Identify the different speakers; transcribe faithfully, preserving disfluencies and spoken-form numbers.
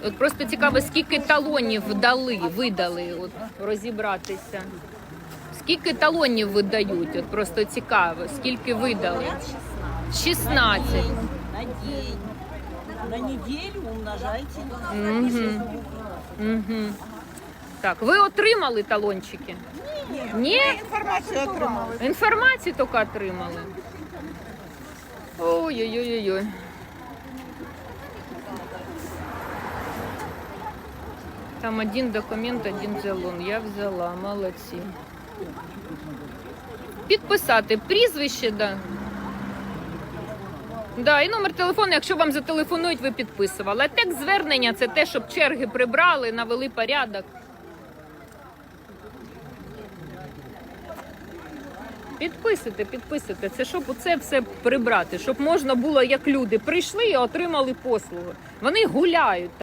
Speaker 1: От просто цікаво, скільки талонів дали, видали, от розібратися. Скільки талонів видають? От просто цікаво, скільки видали? шістнадцять.
Speaker 2: На день. На неделю умножайте.
Speaker 1: Угу. Угу. Так, ви отримали талончики?
Speaker 2: Ні.
Speaker 1: Ні?
Speaker 2: Інформацію отримали.
Speaker 1: Інформацію тільки отримали. Ой-ой-ой-ой. Там один документ, один талон. Я взяла, молодці. Підписати прізвище, да. Да, і номер телефону, якщо вам зателефонують, ви підписували. А текст звернення – це те, щоб черги прибрали, навели порядок. Підписуйте, підписуйте. Це щоб це все прибрати, щоб можна було, як люди прийшли і отримали послуги. Вони гуляють.